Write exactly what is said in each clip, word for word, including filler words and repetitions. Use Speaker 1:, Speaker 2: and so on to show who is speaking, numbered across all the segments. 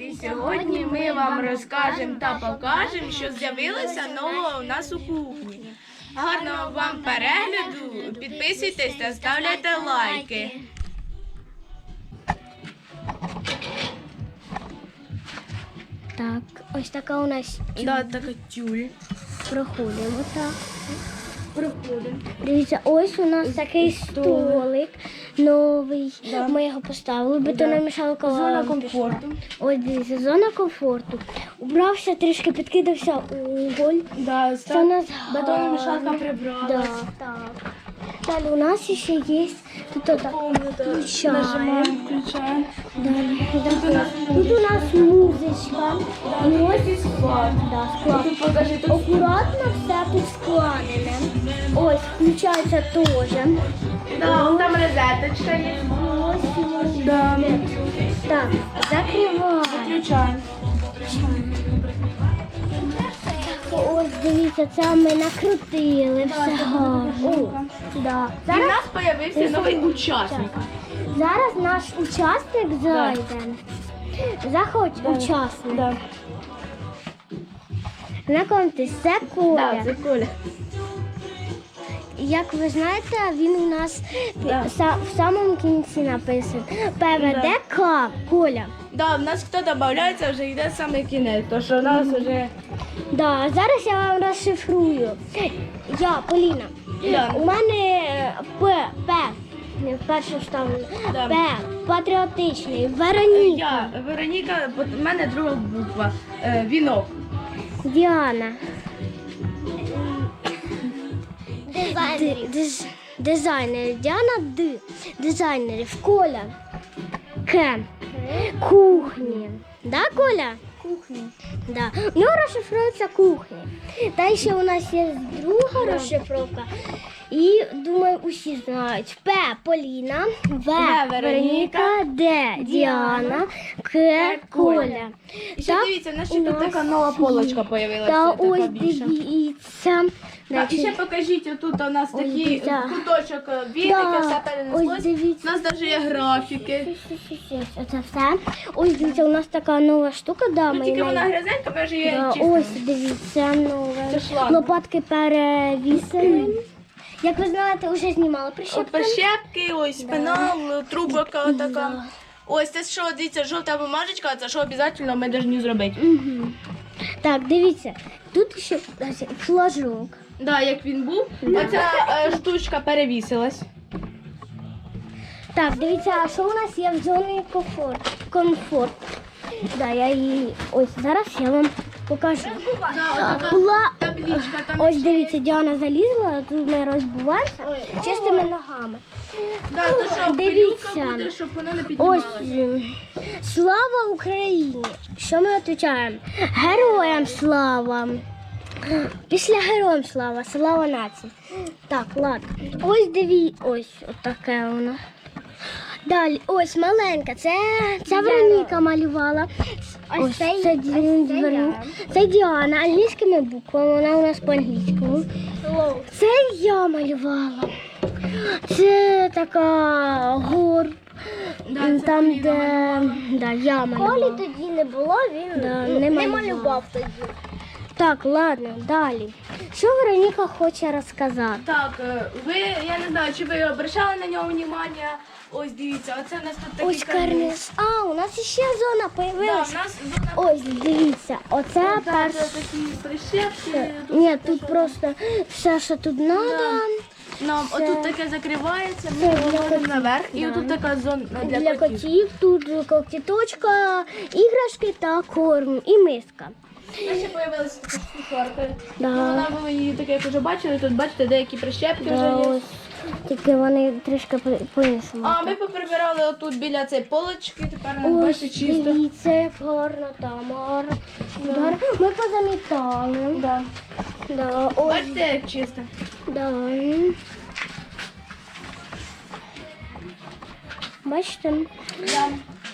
Speaker 1: І сьогодні ми вам розкажемо та покажемо, що з'явилося нового у нас у кухні. Гарного вам перегляду, підписуйтесь та ставляйте лайки.
Speaker 2: Так, ось така у нас тюль.
Speaker 1: Да, така тюль.
Speaker 2: Проходимо так.
Speaker 1: Проходимо.
Speaker 2: Дивіться, ось у нас такий столик новий.
Speaker 1: Да.
Speaker 2: Ми його поставили, бетономішалка.
Speaker 1: Зона комфорту.
Speaker 2: Ось дивіться, зона комфорту. Убрався, трішки підкидався уголь.
Speaker 1: Да,
Speaker 2: Це у нас
Speaker 1: бетономішалка
Speaker 2: гарно.
Speaker 1: прибралась.
Speaker 2: Да, так. Далі у нас ще є тут отак. Включаємо.
Speaker 1: Нажимаємо, включаємо.
Speaker 2: Далі. Тут у нас, тут у нас музичка. І ось
Speaker 1: склад.
Speaker 2: да, склад.
Speaker 1: Тут покажи, тут
Speaker 2: Акуратно все тут складене. Ось, включається теж.
Speaker 1: да, вон там розеточка є.
Speaker 2: Ось, ось.
Speaker 1: Да.
Speaker 2: Так, закриваємо.
Speaker 1: Включаємо.
Speaker 2: Ось, дивіться, це ми накрутили все гарно. О, да.
Speaker 1: І в
Speaker 2: Зараз,
Speaker 1: нас з'явився новий учасник.
Speaker 2: зараз наш учасник зайде. Заходь, учасник.
Speaker 1: Да.
Speaker 2: Знайомтесь, це Коля.
Speaker 1: Да, це Коля.
Speaker 2: Як ви знаєте, він у нас
Speaker 1: Да.
Speaker 2: са- в самому кінці написаний. ПВДК, Коля.
Speaker 1: Да, в нас хто додається, вже йде саме кінець, то що у нас вже...
Speaker 2: Да, зараз я вам розшифрую. Я, Поліна.
Speaker 1: Да.
Speaker 2: У мене П, П, не вперше вставлено.
Speaker 1: Да.
Speaker 2: П, патріотичний, Вероніка,
Speaker 1: Я, Вероніка, бо в мене друга буква, е, вінок.
Speaker 2: Діана. Ди- диз- Дизайнер. Діана Д. Дизайнерів. Коля. К. Кухні. Да, Коля? Кухні. Да. У нього розшифрується кухня. Та ще у нас є друга розшифровка. І, думаю, усі знають. П. Поліна. В. Вероніка. Д. Діана. К. Коля.
Speaker 1: І ще
Speaker 2: Так,
Speaker 1: дивіться, в нас
Speaker 2: у
Speaker 1: ще тут
Speaker 2: нас-
Speaker 1: така нова полочка з'явилася.
Speaker 2: Та
Speaker 1: така
Speaker 2: ось
Speaker 1: більша.
Speaker 2: дивіться.
Speaker 1: Так, і ще покажіть, отут у нас
Speaker 2: Ось
Speaker 1: такий
Speaker 2: дивіться.
Speaker 1: куточок віники,
Speaker 2: Да,
Speaker 1: все
Speaker 2: ось
Speaker 1: перенеслось.
Speaker 2: дивіться.
Speaker 1: У нас навіть є графіки.
Speaker 2: Оце все. Ось дивіться, у нас така нова штука, да,
Speaker 1: Ну
Speaker 2: ми
Speaker 1: тільки
Speaker 2: на-
Speaker 1: вона грязенька, ми вже її
Speaker 2: да,
Speaker 1: чистимо.
Speaker 2: ось дивіться, нове.
Speaker 1: Це шланг.
Speaker 2: Лопатки перевісили. Як ви знаєте, вже знімали
Speaker 1: От
Speaker 2: прищепки.
Speaker 1: прищепки, ось пенал, трубка така. Ось це що, дивіться, жовта бумажечка, це що обов'язково ми повинні зробити.
Speaker 2: Мгм. Так, дивіться, тут ще ось флажок.
Speaker 1: Да, як він був, оця е, штучка перевісилась.
Speaker 2: Так, дивіться, а що у нас є в зоні комфорт? Комфорт. Да, я її ось зараз я вам покажу. Була
Speaker 1: Табличка там.
Speaker 2: ось дивіться, Діана залізла, тут ми розбуваємося чистими ногами.
Speaker 1: Да, то що,
Speaker 2: Дивіться.
Speaker 1: пилюка буде, щоб вона не
Speaker 2: Ось
Speaker 1: піднімалася.
Speaker 2: м, слава Україні! Що ми відповідаємо? Героям слава! Після героям слава, слава нації. Так, ладно. Ось диві, ось отаке воно. Далі, ось маленька, це, це Вероніка малювала. Ось це, це, Ді- Вероніка. Це Діана, англійськими буквами, вона у нас по-англійському. Це я малювала. Це така гор.
Speaker 1: Да, це
Speaker 2: Там,
Speaker 1: Поліна
Speaker 2: де да, я малювала.
Speaker 3: Колі тоді не було, він
Speaker 2: Да,
Speaker 3: ну,
Speaker 2: не
Speaker 3: не
Speaker 2: малював.
Speaker 3: малював тоді.
Speaker 2: Так, ладно, далі. Що Вероніка хоче розказати?
Speaker 1: Так, е, ви, я не знаю, чи ви обращали на нього увагу. Ось дивіться, оце у нас тут такий
Speaker 2: Ось карниз. А, у нас ще зона
Speaker 1: Да,
Speaker 2: появилась.
Speaker 1: у нас зона.
Speaker 2: Ось, дивіться, оце
Speaker 1: Да,
Speaker 2: перш...
Speaker 1: це такі прищепки.
Speaker 2: Ні, тут просто все, що тут треба.
Speaker 1: Нам
Speaker 2: Це-
Speaker 1: отут таке закривається,
Speaker 2: Це
Speaker 1: ми
Speaker 2: для
Speaker 1: виводимо
Speaker 2: котів.
Speaker 1: наверх, і
Speaker 2: Да.
Speaker 1: отут така зона для,
Speaker 2: Для
Speaker 1: котів.
Speaker 2: котів тут когтіточка, іграшки та корм і миска.
Speaker 1: У нас ще з'явилася така кухарка.
Speaker 2: Да.
Speaker 1: Вона, ви її таке, як вже бачили, тут бачите, деякі прищепки
Speaker 2: Да,
Speaker 1: вже є.
Speaker 2: ось. Тільки вони трішки по- по-іншому.
Speaker 1: А ми поприбирали отут біля цієї полочки, тепер у нас
Speaker 2: Ось,
Speaker 1: бачите чисто.
Speaker 2: дивіться, як гарно там, гарно. Гарно. Ми позамітали.
Speaker 1: Да.
Speaker 2: Да, ось,
Speaker 1: Бачите, як чисто.
Speaker 2: да. Бачите?
Speaker 1: Да.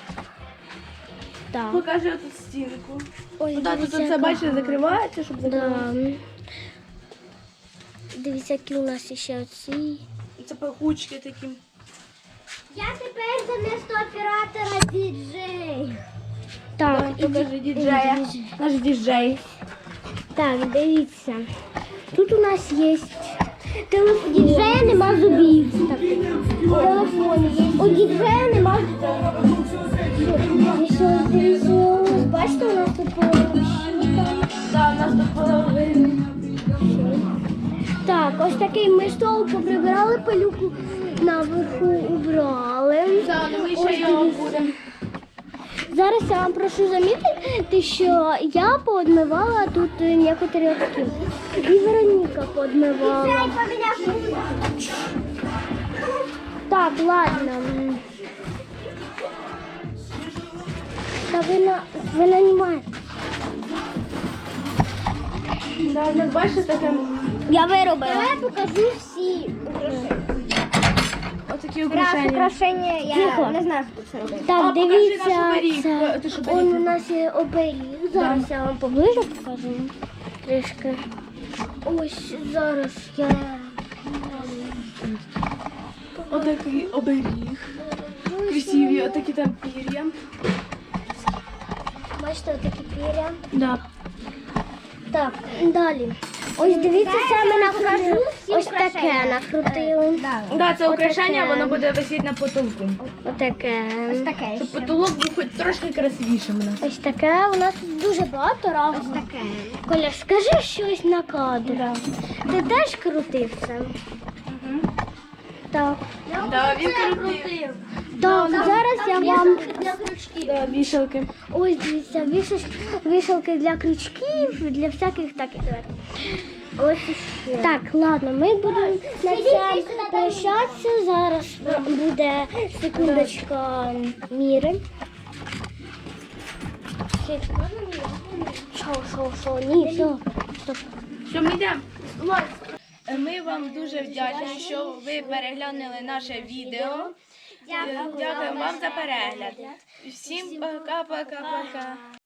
Speaker 2: Так.
Speaker 1: Покажи отут стінку.
Speaker 2: Ось,
Speaker 1: Ну, так, тут
Speaker 2: дивіться,
Speaker 1: це,
Speaker 2: яка
Speaker 1: бачите,
Speaker 2: гарна.
Speaker 1: закривається, щоб закривати.
Speaker 2: Да. Дивіться, які у нас ще оці.
Speaker 1: Це пахучки такі.
Speaker 3: Я тепер замісто оператора діджей.
Speaker 2: Так,
Speaker 1: Покажи діджея. Наш діджей.
Speaker 2: так, дивіться. Тут у нас є телефон. У діджея нема зубів. Так, телефон є. У діджея нема зубів. І що, дивіться, ось бачите, у нас тут половинка.
Speaker 1: Так, у нас тут половина.
Speaker 2: Так, ось такий ми стол поприбирали, пилюку наверху убрали.
Speaker 1: Так, ну ми
Speaker 2: Ось
Speaker 1: ще його
Speaker 2: дивіться.
Speaker 1: будемо.
Speaker 2: Зараз я вам прошу замітити, що я поодмивала тут некоторі очки. І Вероніка поодмивала. Так, ладно. Та ви на ви нанімаєте.
Speaker 1: Да, ну, бачите, таке,
Speaker 2: Я виробила. Я покажу всі.
Speaker 1: отакі украшення.
Speaker 3: Украшення, я
Speaker 2: Тихо.
Speaker 3: не знаю, хто це робив.
Speaker 2: Так,
Speaker 1: А, покажи
Speaker 2: дивіться,
Speaker 1: наш оберіг.
Speaker 2: це
Speaker 1: Ти ж оберіг
Speaker 2: он у
Speaker 1: не
Speaker 2: нас є оберіг. Зараз я вам поближе покажу. Трішки. Ось зараз я.
Speaker 1: Отакий оберіг. Красиві, отакі там пір'я.
Speaker 2: Бачите, такі піря.
Speaker 1: Да.
Speaker 2: Так, далі. Ось дивіться, це ми накрутили. Ось таке накрутили.
Speaker 1: Да, це
Speaker 2: Отаке.
Speaker 1: украшення, воно буде висіти на потолку.
Speaker 2: Отаке.
Speaker 3: Ось таке.
Speaker 1: Щоб потолок був хоч трошки красивішим у нас.
Speaker 2: Ось таке. У нас тут дуже багато разів.
Speaker 3: Ось таке.
Speaker 2: Коля, скажи щось на кадр. Ти теж крутив це? Так.
Speaker 1: Да, він крутив.
Speaker 2: Так, зараз я вам
Speaker 1: Да, вішалки.
Speaker 2: ось дивіться, вішалки, вішалки для крючків, для всяких таких. Ось іще. Так, ладно, ми будемо на цьому прощатися. Зараз буде секундочка міри. Що, що, що, ні, все. Стоп.
Speaker 1: Що ми йдемо? Ми вам дуже вдячні, що ви переглянули наше відео. Дякуємо вам за перегляд. Всім пока-пока-пока.